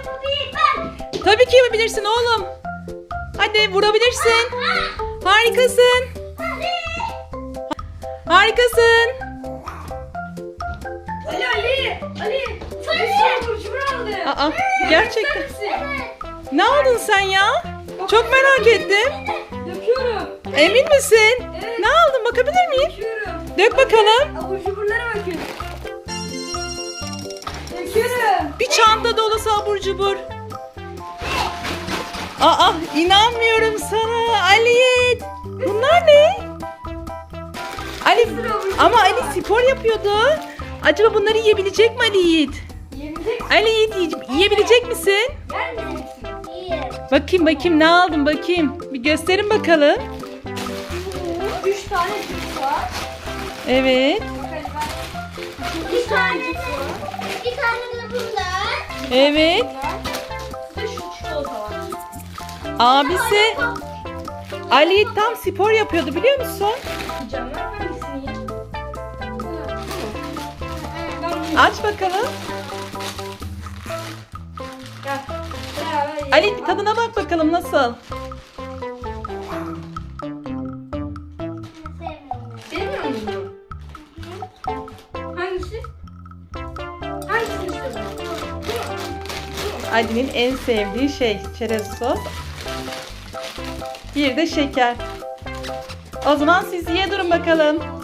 Tabii ki yapabilirsin oğlum. Hadi vurabilirsin. Harikasın. Harikasın. Ali. Bir sürü burcu aldı. Aa, gerçekten. Evet. Ne aldın sen ya? Çok merak ettim. Döküyorum. Emin misin? Evet. Ne aldın? Bakabilir miyim? Döküyorum. Dök bakalım. Abur cuburlara bakın. Döküyorum. Bir çanta dolusu abur cubur. Aa, inanmıyorum sana Ali. Bunlar ne? Ali, ama Ali spor yapıyordu. Acaba bunları yiyebilecek mi Ali Yiğit? Yiyecek. Ali Yiğit yiyebilecek misin? Yer mi? Bakayım ne aldım bakayım. Bir gösterin bakalım. 3 tane cips var. Evet. Bakalım ben. 2 tane cips var. Bir tane de bunlar. Evet. Bir de şu çikolata var. Abisi Ali Yiğit tam spor yapıyordu biliyor musun? Yiyeceğim ben hangisini yiyeceğim? Ben bunu Aç bakalım. Gel. Beraber yiyelim. Ali tadına bak bakalım nasıl? Sevmiyor musun? Hangisi? Hangisini istiyorsun? Ali'nin en sevdiği şey çerez sos. Bir de şeker. O zaman siz ye durun bakalım.